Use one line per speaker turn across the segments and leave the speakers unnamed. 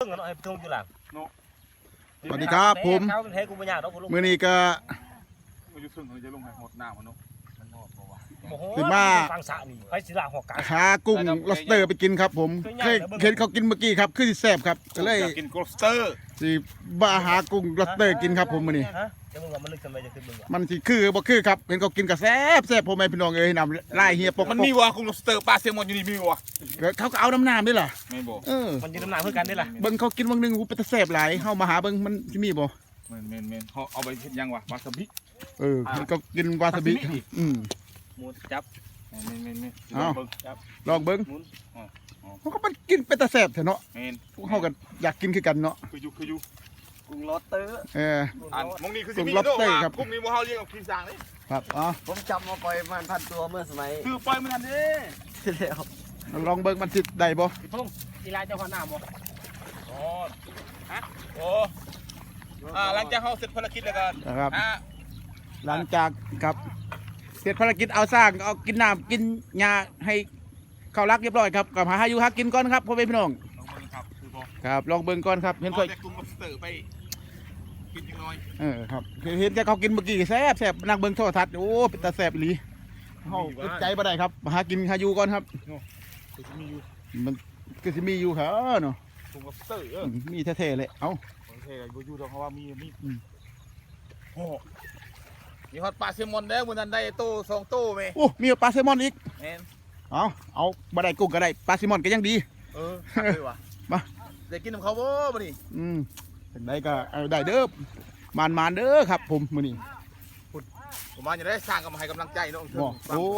งกันหน่อยทุ่งอยู่หลัง
สวัสดีครับผม
เขาเป็นแท้กูไม่ยากหรอกกูลุง
มื้อนี้ก็
มาอยู่ซึ่งเขาจะลงให้หมดหน้ามันเนาะ
โอ้โห
สิมา
ฟังสะนี่ไปศิลาหัวกลาง
หากุ้งล็อบสเตอร์ไปกินครับผมเคยเห็นเขากินเมื่อกี้ครับคือสิแซ่บครับก็เลย
อยากกินกรอบสเตอร์
สิบ้าหากุ้งล็อบสเตอร์กินครับผมมื้อนี้
ฮะจะมึงว่ามันลึกทำไมจะขึ้นมึงวะ
มันสิคือบ่คือครับเห็นเขากินก็แซ่บพ่อแม่พี่น้องเอ้ยนำลายเฮียปก
มันมีวะกรอบสเตอร์ปลาเซลมอนอยู่นี่มีวะ
เขาก็เอาน้ำด้วยล่ะ
ไม่บอก
มันยืนน้ำหนักเพื่อกันได้ล่ะ
เบิ่งเขากินวันนึงกูเป็นตาแซ่บหลายเฮามาหาเบิ่งมันสิมีบ่
เมนเขาเอาไปเฮ็ดยังวะวาซาบิ
มันก็กินวาซาบิ
หมูจับ
เมน
จับ
ลองเบิ่ง
หมุน
เขาก็มันกินเป็นตาแซ่บแท้เนาะ
เมน
เฮาก็อยากกินคือกันเนาะ
คืออยู่
กุ้งลอตเตอร์
อันมงนี่คือ
กุ้ง lobster ครับ
กุ้งมีโมเฮาเลี้ยงกับกินสางเลย
ครับอ๋อ
ผมจำมาปล่อยมันพันตัวเมื่อสมัย
คือปล่อยมันนั่นดิ
ที่แล้ว
ลองเบิ่งมันสิได้บ่
ทุ่งกีฬาเจ้าขวานหน้าบ่
อ๋อฮะโอ้หลังจากเขาเสร็จภารกิจแล้วกัน
นะครับ หลังจากกับเสร็จภารกิจเอาสร้างเอากินน้ำกินหญ้าให้เขารักเรียบร้อยครับกับหาอยู่หากินก่อนครับพ่อแม่พี่น้อง
ลองเบิ่งครับคือบอก
ครับลองเบิ่งก่อนครับเห็นค่อย
เอาแต่กุ้ง lobster ไปกินจังน้อย
ครับเห็นแกเขากินเมื่อกี้แซ่บนั่งเบิ่งโทรทัศน์โอ้เป็นตาแซ่บอีหลีเฮาอึดใจบ่ได้ครับหากินหาอยู่ก่อนครับ
คือมีอยู่
มันก็สิมีอยู่ครับเนาะ
กุ้ง lobster
มีแท้ๆเลยเอ้า
โอเคบ่อยู่ดอกเพราะว่ามี
อืม
โอ้มีฮอตปลาเซลมอนแล้วมื้อนั้นได้โต2โตแม่
โอ้มีปลาแซลมอนอีก
แม่น
เอาบ่ได้กุ้งก็ได้ปลาแซลมอนก็ยังดี
หักเลยว่ะ
มา
ได้กินน้ำเขาบ่มื้อนี้
จังไดก็เอาได้เด้อมานเด้อครับผมมื้อนี้
ผมมาจะได้สร้างกับมาให้กำลังใจเนาะ
บ่โอ้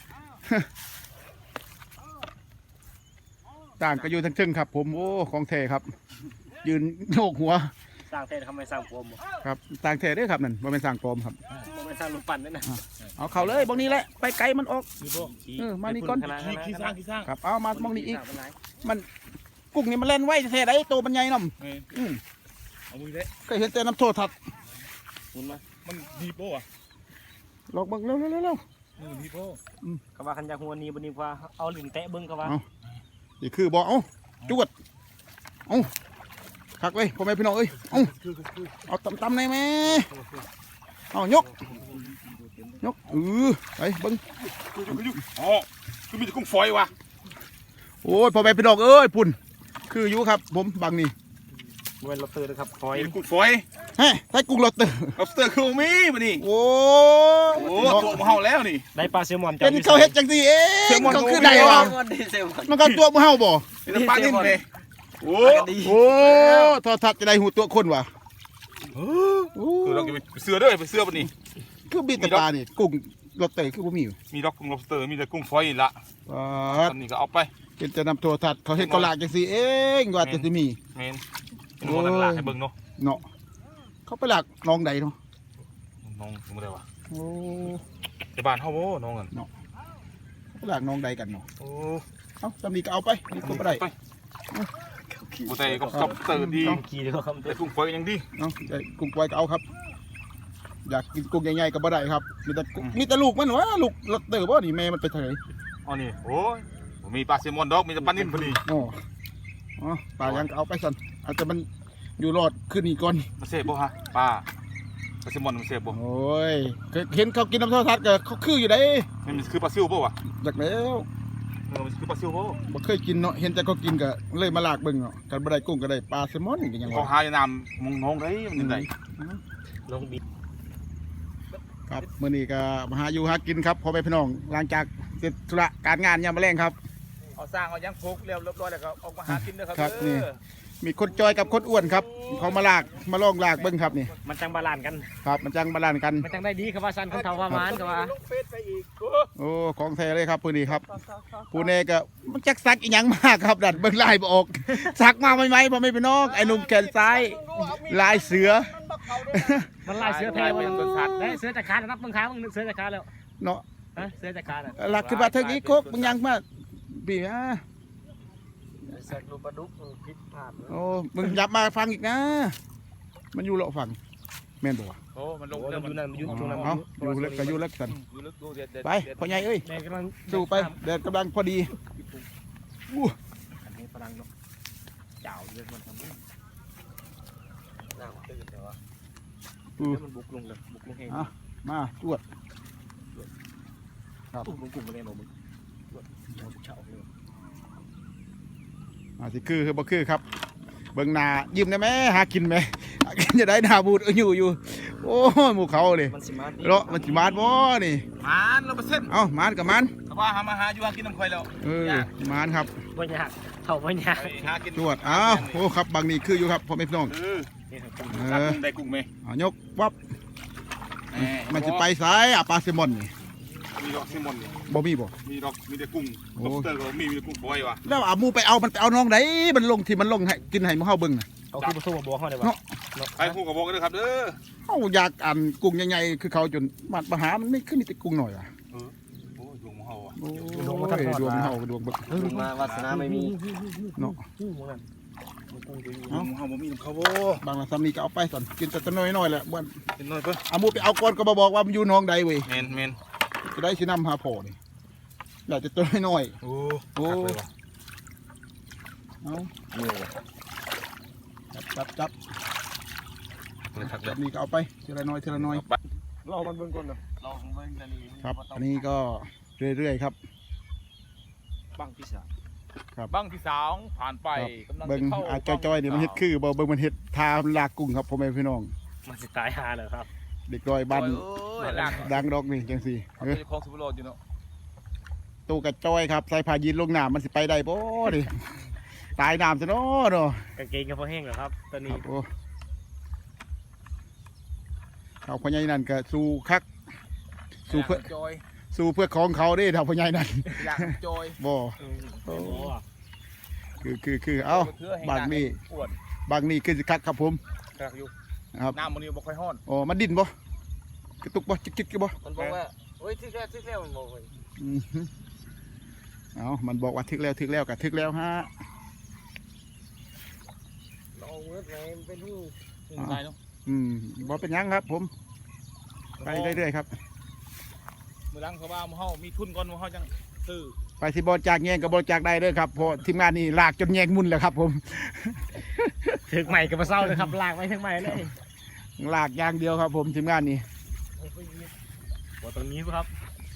ต่างก็อยู่ทั้งเชิงครับ ผมโอ้ของแท้ครับ ยืนโยกหัว
สร้างเทศทำไมสร้างโฟมบ่
ครับต่างแท้เด้อครับนั่นบ่แม่นสร้างปลอมครับ
ไม่สร้างลูกปั่นด้วยนะ
เอาเข้าเลยบางนี้แหละไปไกลมันออก
มีพวก
มานี่ก่อน
ขี้สร้าง
ครับเอามามองนี้อีกมันกุ้งนี่มันเล่นไว้แท้ๆได้โตมันใหญ่นำ
เอามือเด้
เคยเห็นแต่น้ำโทษทัด
หมุนมา
มันดีโป้อะ
ลองเบิ่งเร็ว
มันดีโป้
กว่าคันยาหัวนี้บนี้ว่าเอาลิ้นแตะเบิ้งกว่า
นี่คือบ่เอาจวดเอาคักเว้ยพ่อแม่พี่น้องเอ้ยเอาตำๆในแม่เอายกไปเบิ่ง
คืออ๋อคือมีแต่กุ้งฝอยว่ะ
โอ้ยพ่อแม่พี่น้องเอ้ยปุ่นคืออยู่ครับผมบางนี่
เว้นลอตเตอร์นะครับคอย
มีกุ้งฝอย
เฮ้ยใส่กุ้งลอตเตอร์
lobster คือมีมื้อนี้
โอ้
โอ้ตัวมาเฮาแล้วนี่
ได้ปลาแซลมอน
เป็นเขาเฮ็ดจังซี่เองเขาคือได้วะมันก็ตัวมือเฮาบ่
เป็นปลานิ่มเลยโอ้
โอ้ทอทัดจะได้หูตัวคนวะ
คือเราจะไปเสือด้วยไปเสือปะนี่
คือบีตาปลานี่กุ้งลอตเตอร์คือบ่มีอยู่
มีดอกกุ้ง lobster มีแต่กุ้งฝอยนี่ละอันนี้ก็เอาไป
เป็นจะนำโทรทัศน์เขาเฮ็ดกอลากจังซี่เองว่าจะสิมี
เมนเป็นคนนั้นละให้เบิ่งเนาะ
เนาะเขาไปหลักน้องใดเนาะ
น้องบ่ได้ว่ะ
โอ้
ในบ้านเฮาบ่น้องกัน
ไปหลักน้องใดกันเนาะ
โอ้
เอ้าตำนี้ก็เอาไปนี่ก็บ่ได้
บ่ได้ก็ lobster ดี
ขี่เลยครับ
แต่กุ้งฝอยยังดี
เนาะได้กุ้งไว้ก็เอาครับ อยากกินกุ้งใหญ่ๆก็บ่ได้ครับมีแต่ลูกมันวะลูกลอตเตอร์บ่นี่แม่มันไปทางไหน
อ๋อนี่โอ้ยบ่มีปลาแซลมอนดอกมีแต่ปลานิ่มพอดี
อ๋อปลายังก็เอาไปสั่นอาจจะมันอยู่รอดขึ้นนี่ก่อน
มันเสพบ่ฮะปลาแซลมอนมันเสพบ่
โอ้ยเห็นเขากินน้ำโทรทัศน์ก็เขาคืออยู่ได้
มันคือปลาซิวบ่วะ
อยากแล้ว
มันคือปลาซิวบ่
บ่เคยกินเนาะเห็นแต่เขากินก็เลยมาลากเบิ่งเนาะกันบ่ได้กุ้งก็ได้ปลาแซลมอนก็ยัง
เขา
ว่า
หาอยู่น้ำมงน้องได้มันยังไง
ลงบิด
ครับมื้อนี้ก็มาหาอยู่หากินครับพ่อแม่พี่น้องหลังจากเสร็จธุระการงานยามมื้อแลงครับ
เอาสร้างเอายังพกเรียบร้อยแล้วก็ออกมาหากินเด้อครับ
ครับนี่ มีคนจอยกับคนอ้วนครับเขามาลากมาลองลากเบิ่งครับนี่
มันจังบาลานกัน
ครับมันจังบาลานซ์กัน
มันจังได้ดีครับว่าสั้นคนเท่าว่ามานครับว่า
โอ้ของแท้เลยครับมื้อนี้ครับผู้เนก็มันจักซักอีหยังมากครับดัดเบิ่งลายบ่ออกซักมาใหม่ๆพ่อแม่พี่น้องไอ้หนุ่มแขนซ้ายลายเสือ
มันลายเสือแท้วันได้เสือจากขาแล้วนับมึงขามึงเสือจากขาแล้ว
เนาะ
ฮะเสือจากขาแล้ว
หลักคือว่าเทิงอีโคกมึงยังมาปีอ่ะ
เสือลูกปลาดุกพิษพลาด
โอ้มึงยับมาฟังอีกนะ มันอยู่เลาะฟังแม่นบ่วะ
โอ้มันลง
โอ้
เรื่
มั
อน ง
อยู่
มัน
นั่นมันอยู่ตรงนั้น
เอาอยู่เล็กก็อยู่เล็กกัน
อยู่ลึกดูเด็ด
ไปพ่อใหญ่เอ้ย
แม่กำลัง
สู้ไปแดดกำลังพอดีอู้
อันนี้พลังเนาะเจ้าอยู่เรื่องมันทำให้
น้ำตื่นแต่ว่า
มันบุกลงเลยบุกลงเอง
มาตรวจ
ตุ้มลงกลุ่มมาเลยหนูมึงเราเฉาเลย
สิคือบ่คือครับเบิ่งหน้ายิ้มได้ไหมหากินไหมหากินจะได้หน้าบูดอยู่โอ้ยหมู่เขาเลย
มันสิมา
เลาะมันสิมาดบ่นี่
มัน100%
เอ้ามานกับมัน
ถ้าว่าหามาหาอยู่หากินน้ำข่อยแล้ว
มานครับ
บ่ยากเท่าบ่ยาก
ไปหากิน
ตรวจอ้าวโอ้ครับบางนี่คืออยู่ครับพ่อแม่พี่น้อง
นี่ครับ
เอ
จับ
อ
กุ้งได้กุ้งไหม
ยกวับมันจะไปสายปลาแซลมอนนี่
มีดอกซิมอนนี่
บ่มีบ่
มีดอกมีแต่กุ้ง
โอ้
ล็อบสเตอร์ก็มีแต่กุ้งฝอยวะ
แล้วหมูไปเอามันไปเอาน้องไหนมันลงที่มันลงให้กินให้หมู่เฮาเบิ่งน่ะ
เอาคือมาสู้มาบวกเขาได้ป่ะ
ไปคู่กับบอกกันเลยครับเด้อ
เฮาอยากอ่านกุ้งใหญ่ๆคือเขาจนมาหามันไม่ขึ้นมีแต่กุ้งหน่อยอ่ะ
โอ้ยดวงของเฮาอ่ะ
โอ้ยดวงเฮาดวงเบิก
มาวาสนาไม่มี
เนาะ
ดวงของเฮาบ่มีน้ำเขาบ่
บางละซ้ำนี่ก็เอาไปสั่นกินแต่ตัวน้อยๆแหละบ่น
เป็นน้อยเพิ่น
เอาหมูไปเอาก่อนก็มาบอกว่ามันอยู่หน้องใดเว้ย
แม่น
จะได้สินำหาพ่อนี่อยากจะตัวน้อย
โอ้
ๆโอ้เอาจับ
ครับ
จับนี่ก็เอาไปทีละน้อย
เรามันเบิ่งก่อนเนาะเราเบิ่งจะนี่
ครับอันนี้ก็เรื่อยๆครับ
บังที่สาม
บังที่2ผ่านไปกำลัง
เบิ่ง
จะเข้า
อาจ้อยๆนี่มันเฮ็ดคือบ่เบิ่งมันเฮ็ดทาลากกุ้งครับพ่อแม่พี่น้อง
มันสิตายหาเลยครับ
เด็กน้อยบ้าน
โอ้ยลาก
ดังดอกนี่จังซี่
เอาไปของสุบโรดอยู่เนาะ
ตู้กระจ้อยครับใส่ผ้ายีนลงน้ำมันสิไปได้บ่ดิตายน้ำซะเนาะเนาะ
กางเกงก็พอแห้งแล้วครับตอน
ค
นี้
รับโอ้เขาพ่อใหญ่นั่นก็สู้คักสู้เพื่อ
จอย
สู้เพื่อของเขาเด้ถ้าพ่อใหญ่นั่น
อยากจอย
บ่
โอ้
คือเอ้าบางนี่
ปวด
บางนี่คือสิคักครับผม
กระอยู่
ครับ
น้ำมันนี่บ่ค่อยฮ้อน
อ๋อมันดิ้นบ่กระตุกบ่จิกๆบ่
มันบอกว่าโอ้ยทึกแล้วมันบอกว่า
อือฮึเอามันบอกว่าทึกแล้วก็ทึกแล้วฮะ
เราเมื่อไงมันเป็นหู
ได้เนาะ
บ่เป็นหยังครับผมไปเรื่อยๆครับ
มื้อหลังเขาว่าหมู่เฮามีทุนก่อนหมู่เฮาจังซื้อ
ไปที่บริจาคแยงกับบริจาคได้เลยครับเพราะทีมงานนี่ลากจนแยงมุนแล้วครับผม
ถึงใหม่กับมาเศร้าเลยครับลากไปถึงใหม่เลย
ลากอย่างเดียวครับผมทีมงานนี่
ว่าตรงนี้ครับ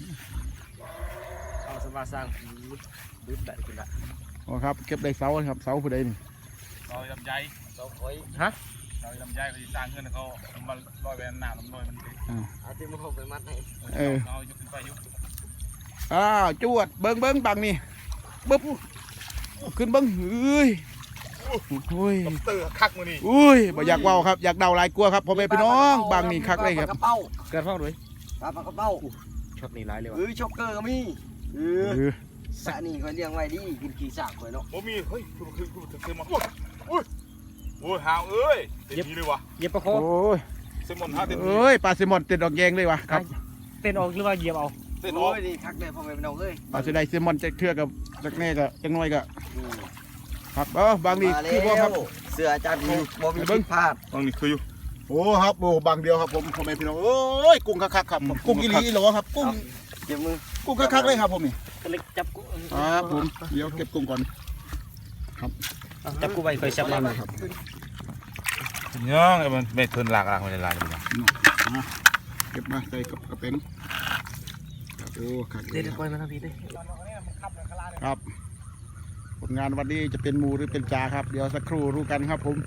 เอาสมาสร้างดุดได้กินละ
โอ้ครับเก็บได้เสาครับเสาผู้ใดนี่
เราลำไย
เราคอย
เราลำไยเขาสิสร้างเงินเขาเอามาลอยไปน้ำลอยมันสิ
เอาที่มันไปมัดให้
เอายกขึ้นไปยก
อ้าวจวดเบิ้งบังนี่ปึ๊บขึ้นเบิ้งเอ้ยโอ้ย
เตอร์คักมื้อนี้
อุ้ยบ่อยากเว้าครับอยากเดาหลายกลัวครับพ่อแม่พี่น้องบางนี่คักเลยครับ
ปลากระเป้า
เกิดฟ้องด้วย
ปลากระเป้า
ช็อตนี้ร้ายเลยว่ะ
ช็อกเกอร์ก็มี
เออ
สะนี่คอยเลี้ยงไว้ดีกินกี่สากคอยเนาะ
บ่มีเฮ้ยคือมันโอ้ยหาวเอ้ยเต็มนี้เลยวะ
เหยียบประโค
โอ้ย
เซมอนหาเต็มนี้
เอ้ยปลาแซลมอนติดดอกแยงเลยวะครับ
เต้นออกหรือว่าเหยียบเอา
เต็มอ
โอ้
อก
ยนี่คักเลยพ่อแม่พี่น้องเอ้ย
ปลาสิได้แซลมอนจะเทื่อกับจักแน่ก็จักน้อยก็ครับบางนี่คือบ่ครับ
เสืออาจารย์บ่มีผิดพลาด
ตรงนี้คืออยู่
โอ้ครับโอ้บางเดียวครับผมพ่อแม่พี่น้องโอ้ยกุ้งคักๆครับกุ้งอีหลีอีหลอครับกุ้ง
เจ็บมือ
กุ้งคักๆเลยครับผมนี่
ก็เลยจับกู
ครับผมเดี๋ยวเก็บกุ้งก่อน
จับกูไปเคยจับมา
ครับ
ยังไอ้มันไม่ทุนหลักมันจะลายมัน
เก็บมาใส่กับกระเป็นครับโอ้คัก
เดี๋ยวปล่อยมาทางพี่ดิ
ครับผลงานวันนี้จะเป็นหมูหรือเป็นจ่าครับเดี๋ยวสักครู่รู้กันครับผม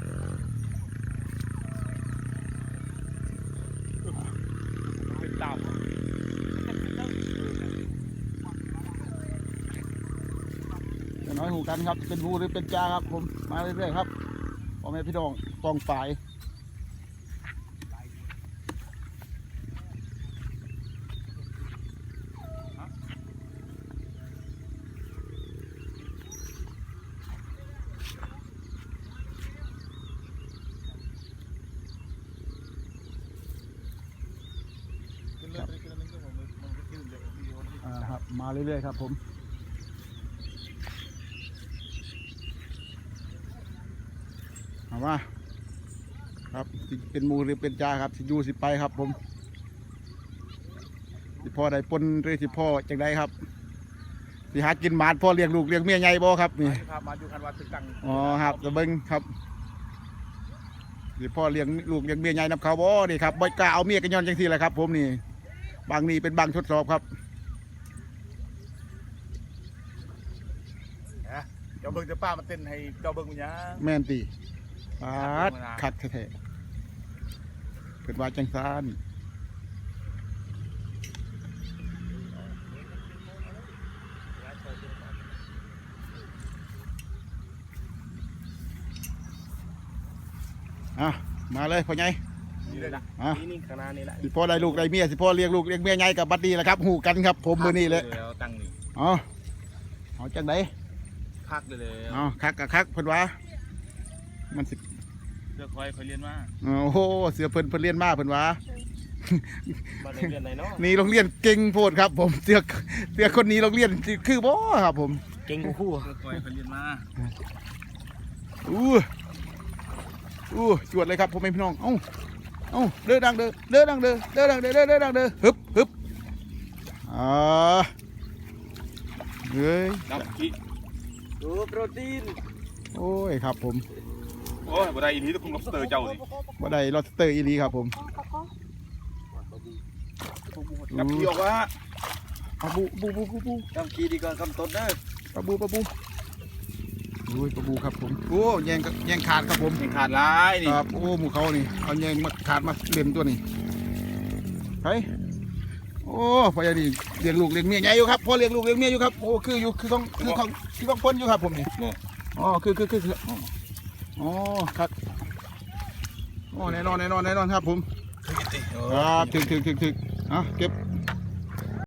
จะน้อยหูกันครับเป็นหมูหรือเป็นจ่าครับผมมาเรื่อยๆครับพ่อแม่พี่น้องกองฝ่ายครับมาเรื่อยๆครับผมเอาว่าครับสิเป็นหมูหรือเป็นจ่าครับสิอยู่สิไปครับผมสิพ่อใดปนหรือสิพ่อจังใดครับสิหากินหมาดพ่อเลี้ยงลูกเลี้ยงเมียใหญ่บ่ครับนี่
ครับมาอยู่คันวัดตึกตัง
อ๋อครับจะเบิ่งครับสิพ่อเลี้ยงลูกเลี้ยงเมียใหญ่นำเขาบ่นี่ครับบ่กล้าเอาเมียกันย้อนจังซี่แหละครับ ผมนี่บางนี่เป็นบางทดสอบครับ
เจ้าเบิ่งเจ้าป้ามาเต้นให้เจ้าเบิ่งมันยัง
แม่นติปาดคักแท้ๆเพิ่นว่าจังซานอ่ะมาเลยพ่อใหญ่
นี่เลยนะ
อ่ะ
นี่ข้างหน้านี่แหละ
สิพ่อได้ลูกได้เมียสิพ่อเลี้ยงลูกเลี้ยงเมียใหญ่กับบัดนี้แหละครับหูกันครับ ผมมื้อนี้เลย
แล้วตั้งนี่
อ๋อเอาจังได
คักเลย
อ๋อคักกับคักเพิ่นว่ามันสิ
เพื่อคอยเรียนมา
โอ้โหเสือเพิ่นเรียนมาเพิ่นว่า
มาในเดือนไหนเนาะ
นี่โรงเรียนเก่งโพดครับ ผมเสือคนนี้โรงเรียนคือบ่ครับผม
เก่งกูคู่
เพื่อคอยเรียนมา
อู้จวดเลยครับผมเป็นพี่น้องเอ้าเด้อดังเด้อเด้อดังเด้อเด้อดังเด้อเด้อดังเด้อฮึบอ่าเฮ้ย
น้ำขี้
ดูโปรตีน
โอ้ยครับผม
โอ้ยบ่ได้อีนี้ต้องคุมล็อบสเตอร์เจ้านี่
บ่ได้ลอสเตอร์อีหลีครับผม
จับขี้ออกว่า
ปะบู
จำคีดีก่อนคำต้นเด้อ
ปะบูโอ้ยปะบูครับผมโอ้แยงขาดครับผม
ยังขาดร้ายนี่
ครับโอ้หมูเขานี่เอาแยงมาขาดมาเล่นตัวนี้ไปโอ้พ่อใหญ่นี่เลี้ยงลูกเลี้ยงเมียใหญ่อยู่ครับพ่อเลี้ยงลูกเลี้ยงเมียอยู่ครับโอ้คือต้องพ้นอยู่ครับผมนี่อ๋อคืออ๋อครับอ๋อแน่นอนครับผมครับถึงอ่ะเก็บ